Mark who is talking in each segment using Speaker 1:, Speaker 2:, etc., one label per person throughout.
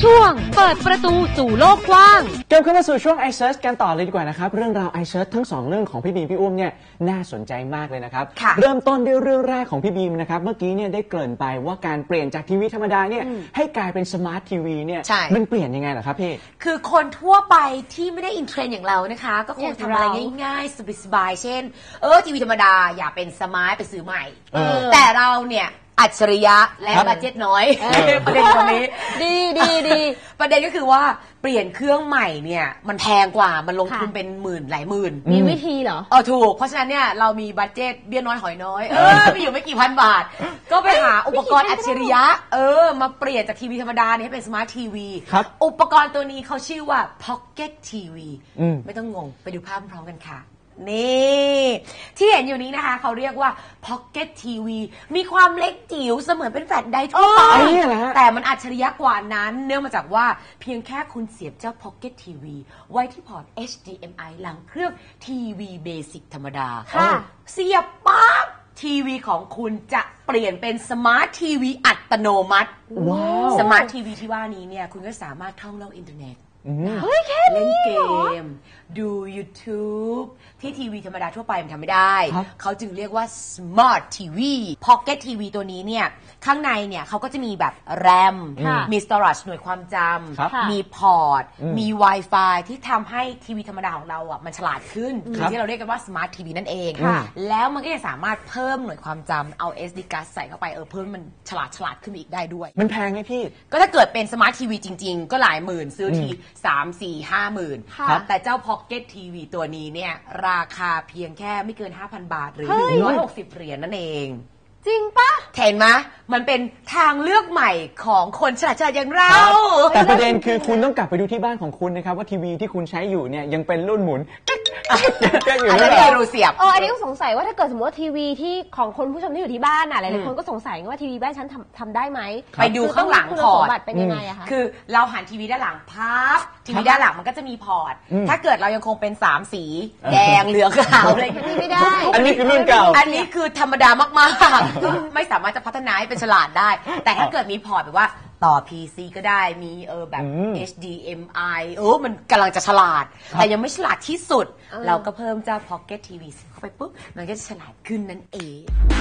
Speaker 1: ช่วงเปิดประตูสู่โลกกว้าง
Speaker 2: เดินเข้ามาสู่ช่วง iSearch กันต่อเลยดีกว่านะครับเรื่องราว iSearch ทั้ง2เรื่องของพี่บีมพี่อุ้มเนี่ยน่าสนใจมากเลยนะครับเริ่มต้นด้วยเรื่องแรกของพี่บีมนะครับเมื่อกี้เนี่ยได้เกริ่นไปว่าการเปลี่ยนจากทีวีธรรมดาเนี่ยให้กลายเป็นสมาร์ททีวีเนี่ยมันเปลี่ยนยังไงเหรอครับพี่
Speaker 3: คือคนทั่วไปที่ไม่ได้อินเทรนด์อย่างเรานะคะก็คงทำอะไรง่ายๆสบายๆเช่นทีวีธรรมดาอย่าเป็นสมาร์ทไปซื้อใหม่แต่เราเนี่ยอัจฉริยะและบัดเจ็ตน้อยประเด็นตรงนี้ดีประเด็นก็คือว่าเปลี่ยนเครื่องใหม่เนี่ยมันแพงกว่ามันลงทุนเป็นหมื่นหลายหมื่น
Speaker 1: มีวิธีเหรอ
Speaker 3: ถูกเพราะฉะนั้นเนี่ยเรามีบัดเจ็ตเบี้ยน้อยหอยน้อยมีอยู่ไม่กี่พันบาทก็ไปหาอุปกรณ์อัจฉริยะมาเปลี่ยนจากทีวีธรรมดาเนี่ยให้เป็นสมาร์ททีวีอุปกรณ์ตัวนี้เขาชื่อว่า Pocket TV ไม่ต้องงงไปดูภาพพร้อมกันค่ะนี่ที่เห็นอยู่นี้นะคะเขาเรียกว่า Pocket TV มีความเล็กจิ๋วเสมือนเป็นแฟลชไดร์ทั่วไปแต่มันอัจฉริยะกว่านั้นเนื่องมาจากว่าเพียงแค่คุณเสียบเจ้า Pocket TV ไว้ที่พอร์ต HDMI หลังเครื่องทีวีเบสิกธรรมดาเสียบปั๊บทีวีของคุณจะเปลี่ยนเป็นสมาร์ททีวีอัตโนมัติสมาร์ททีวีที่ว่านี้เนี่ยคุณก็สามารถท่องโลกอินเทอร์เน็ตเล่นเกมดู YouTube ที่ทีวีธรรมดาทั่วไปมันทำไม่ได้เขาจึงเรียกว่า Smart TV Pocket TV ตัวนี้เนี่ยข้างในเนี่ยเขาก็จะมีแบบ RAM มี storage หน่วยความจำมีพอร์ตมี Wi-Fi ที่ทำให้ทีวีธรรมดาของเราอ่ะมันฉลาดขึ้นที่เราเรียกกันว่า Smart TV นั่นเองแล้วมันก็จะสามารถเพิ่มหน่วยความจำเอา SD card ใส่เข้าไปเพิ่มมันฉลาดขึ้นอีกได้ด้วย
Speaker 2: มันแพงไหมพี่
Speaker 3: ก็ถ้าเกิดเป็น Smart TV จริงๆก็หลายหมื่นซื้อที3-4-5 หมื่นแต่เจ้า Pocket TV ตัวนี้เนี่ยราคาเพียงแค่ไม่เกิน 5,000 บาทหรือ160 เหรียญนั่นเอง
Speaker 1: จริงปะ
Speaker 3: เห็นไหมมันเป็นทางเลือกใหม่ของคนฉลาดอย่างเรา
Speaker 2: แต่ประเด็นคือคุณต้องกลับไปดูที่บ้านของคุณนะครับว่าทีวีที่คุณใช้อยู่เนี่ยยังเป็นรุ่นหมุน
Speaker 3: อันนี้รูเสียบ
Speaker 1: อันนี้ก็สงสัยว่าถ้าเกิดสมมติว่าทีวีที่ของคนผู้ชมที่อยู่ที่บ้านหลายๆคนก็สงสัยว่าทีวีบ้านฉันทำได้ไหม
Speaker 3: ไปดูข้างหลังพอร์ต
Speaker 1: เป็นยังไงอะคะ
Speaker 3: คือเราหันทีวีด้านหลังพับทีวีด้านหลังมันก็จะมีพอร์ตถ้าเกิดเรายังคงเป็น3สีแดงเหลืองขาวอะไรอย่างนี้
Speaker 1: ไม่ได้
Speaker 2: อันนี้คือรุ่นเก่า
Speaker 3: อันนี้คือธรรมดามากๆไม่สามารถจะพัฒนาให้เป็นฉลาดได้แต่ถ้าเกิดมีพอร์ตแบบว่าต่อ PC ก็ได้มีแบบ HDMI มันกำลังจะฉลาดแต่ยังไม่ฉลาดที่สุดเราก็เพิ่มเจ้า Pocket TV เข้าไปปุ๊บมันก็จะฉลาดขึ้นนั่นเอง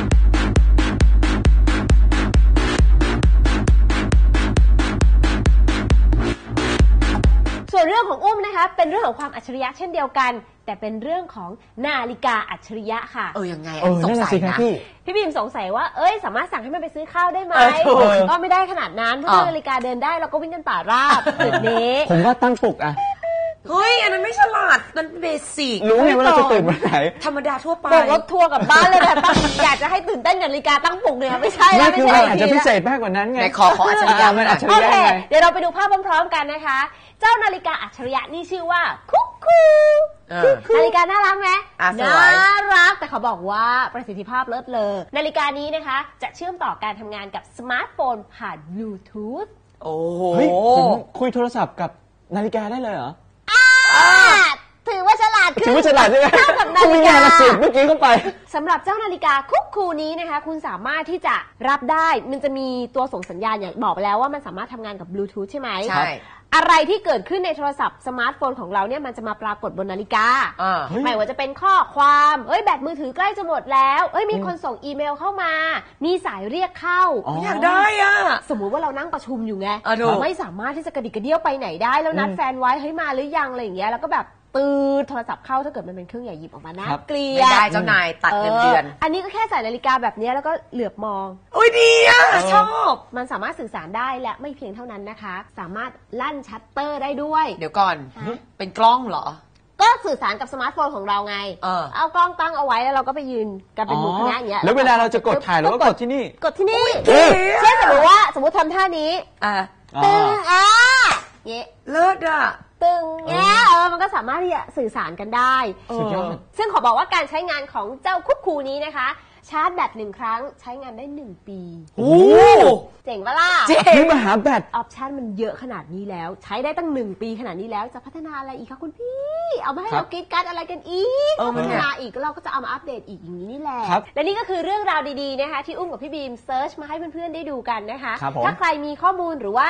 Speaker 1: ส่วนเรื่องของอุ้มนะคะเป็นเรื่องของความอัจฉริยะเช่นเดียวกันแต่เป็นเรื่องของนาฬิกาอัจฉริยะค่ะ
Speaker 3: ยังไงสงสัยนะ
Speaker 1: พี่บีมสงสัยว่าสามารถสั่งให้มันไปซื้อข้าวได้ไหมก็ไม่ได้ขนาดนั้นเพราะนาฬิกาเดินได้เราก็วิ่งกันป่าราบจุดนี้
Speaker 2: ผมว่าตั้งปลุกอะ
Speaker 3: เฮ้ยอันนั้นไม่ฉลาดมันเบสิก
Speaker 2: รู้ไงว่าเราจะตื่นวันไหน
Speaker 3: ธรรมดาทั่วไป
Speaker 1: รถทัวร์กับบ้านเลยแต่อยากจะให้ตื่นเต้นกับนาฬิกาตั้งปลุกเนี่ยไม่ใช่
Speaker 2: แล้วไม่ใช่อาจจะพิเศษมากกว่านั้นไง
Speaker 3: ขออัจฉริยะ
Speaker 2: มันอัจฉริยะไง
Speaker 1: เดี๋ยวเราไปดูภาพพร้อมๆกันนะคะเจ้านาฬิกาอัจฉริยะนี่ชื่อว่าคุกคูนาฬิกาน่ารักไหมน่ารักแต่เขาบอกว่าประสิทธิภาพเลิศเลอนาฬิกานี้นะคะจะเชื่อมต่อการทำงานกับสมาร์ทโฟนผ่านบลูทูธ
Speaker 2: โอ้โหผมคุยโทรศัพท์กับนาฬิกาได้เลยเหรอ
Speaker 1: ถือว่าฉลาดขึ้น
Speaker 2: ถือว่าฉลาดใช่ไหม
Speaker 1: เท่ากับนาฬิกา
Speaker 2: เมื่อกี้เข้าไป
Speaker 1: สำหรับเจ้านาฬิกาคุกคูนี้นะคะคุณสามารถที่จะรับได้มันจะมีตัวส่งสัญญาณอย่างบอกไปแล้วว่ามันสามารถทำงานกับบลูทูธใช่ไหม
Speaker 3: ใช่
Speaker 1: อะไรที่เกิดขึ้นในโทรศัพท์สมาร์ทโฟนของเราเนี่ยมันจะมาปรากฏบนนาฬิกาไม่ว่าจะเป็นข้อความแบตมือถือใกล้จะหมดแล้วมีคนส่งอีเมลเข้ามามีสายเรียกเข้า
Speaker 3: อยากได้
Speaker 1: สมมุติว่าเรานั่งประชุมอยู่ไงไม่สามารถที่จะกระดิกกระเดี้ยวไปไหนได้แล้วนัดแฟนไว้มาหรือยังอะไรอย่างเงี้ยแล้วก็แบบโทรศัพท์เข้าถ้าเกิดมันเป็นเครื่องใหญ่หยิบออกมานะเกลีย
Speaker 3: ไม่ได้เจ้านายตัดเงินเดือน
Speaker 1: อันนี้ก็แค่ใส่นาฬิกาแบบนี้แล้วก็เหลือบมอง
Speaker 3: ดีชอบ
Speaker 1: มันสามารถสื่อสารได้และไม่เพียงเท่านั้นนะคะสามารถลั่นชัตเตอร์ได้ด้วย
Speaker 3: เดี๋ยวก่อนเป็นกล้องเหรอ
Speaker 1: ก็สื่อสารกับสมาร์ทโฟนของเราไงเอากล้องตั้งเอาไว้แล้วเราก็ไปยืนกันเป็นหมู่คณะอย่างเงี้ย
Speaker 2: แล้วเวลาเราจะกดถ่ายเราก็กดที่นี่
Speaker 1: เช่นสมมติทำท่านี้ตึงเงี้ย
Speaker 3: เลิศ
Speaker 1: ตึงเงี้ยมันก็สามารถที่จะสื่อสารกันได้ซึ่งขอบอกว่าการใช้งานของเจ้าคุกคูนี้นะคะชาร์จแบต1 ครั้งใช้งานได้1 ปีเจ๋งปะล่ะ
Speaker 2: นี่มาหาแบต
Speaker 1: ออปชั่นมันเยอะขนาดนี้แล้วใช้ได้ตั้ง1 ปีขนาดนี้แล้วจะพัฒนาอะไรอีกคะคุณพี่เอามาให้เรากินกันอะไรกันอีกพัฒนาอีกเราก็จะเอามาอัปเดตอีกอย่างนี้นี่แหละและนี่ก็คือเรื่องราวดีๆนะคะที่อุ้มกับพี่บีมเซิร์ชมาให้เพื่อนๆได้ดูกันนะคะถ้าใครมีข้อมูลหรือว่า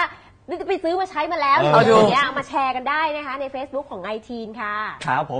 Speaker 1: นี่จะไปซื้อมาใช้มาแล้วหรืออะไรอย่างเงี้ยมาแชร์กันได้นะคะใน Facebook ของ iTeen ค่ะ
Speaker 2: ครับผม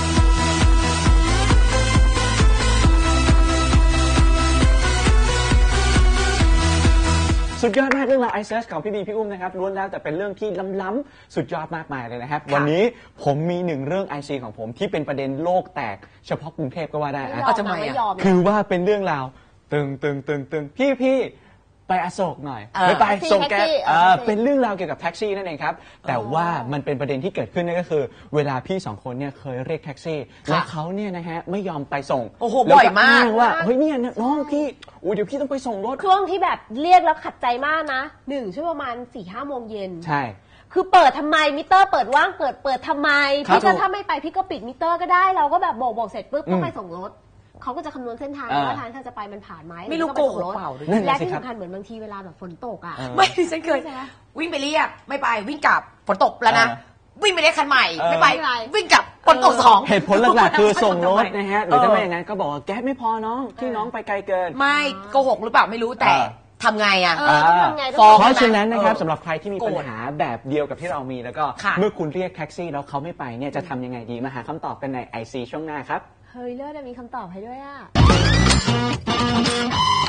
Speaker 2: สุดยอดมากเรื่องราว iSearch ของพี่บีพี่อุ้มนะครับล้วนแล้วแต่เป็นเรื่องที่ล้ำๆสุดยอดมากมายเลยนะครับวันนี้ผมมีหนึ่งเรื่อง IC ของผมที่เป็นประเด็นโลกแตกเฉพาะกรุงเทพก็ว่าได้
Speaker 1: จะไม่ยอม
Speaker 2: คือว่าเป็นเรื่องราวตึงพี่ไปอโศกหน่อยไม่ไปส่งแก๊ปเป็นเรื่องราวเกี่ยวกับแท็กซี่นั่นเองครับแต่ว่ามันเป็นประเด็นที่เกิดขึ้นนั่นก็คือเวลาพี่สองคนเนี่ยเคยเรียกแท็กซี่แล้วเขาเนี่ยนะฮะไม่ยอมไปส่ง
Speaker 3: โอ้โหบ่อยมาก
Speaker 2: ว่าเฮ้ยเนี่ยน้องพี่เดี๋ยวพี่ต้องไปส่งรถ
Speaker 1: ช่วงที่แบบเรียกแล้วขัดใจมากนะช่วงประมาณ 4-5 โมงเย็น
Speaker 2: ใช่
Speaker 1: คือเปิดทำไมมิเตอร์เปิดว่างเปิดทำไมพี่ก็ถ้าไม่ไปพี่ก็ปิดมิเตอร์ก็ได้เราก็แบบบอกเสร็จปุ๊บก็ไปส่งรถเขาก็จะคำนวณเส้นทางว่าทางที่จะไปมันผ่านไหม
Speaker 3: ไม่รู้โกหกเปล่า
Speaker 1: และที่สำคัญเหมือนบางทีเวลาแบบฝนตกอ่ะ
Speaker 3: ไม่ฉันเคยวิ่งไปเรียกไม่ไปวิ่งกลับฝนตกแล้วนะวิ่งไปเรียกคันใหม่ไม่ไปวิ่งกลับฝนตก2
Speaker 2: เหตุผลหลักๆคือส่งรถนะฮะหรือถ้าไม่อย่างนั้นก็บอกว่าแก๊สไม่พอน้องที่น้องไปไกลเกิน
Speaker 3: ไม่โกหกหรือเปล่าไม่รู้แต่ทำไงอ่ะ
Speaker 2: เพราะฉะนั้นนะครับสำหรับใครที่มีปัญหาแบบเดียวกับที่เรามีแล้วก็เมื่อคุณเรียกแท็กซี่แล้วเขาไม่ไปเนี่ยจะทำยังไงดีมาหาคำตอบกันใน IC ช่วงหน้าครับ
Speaker 1: เฮ้ยเลิศมีคำตอบให้ด้วยอ่ะ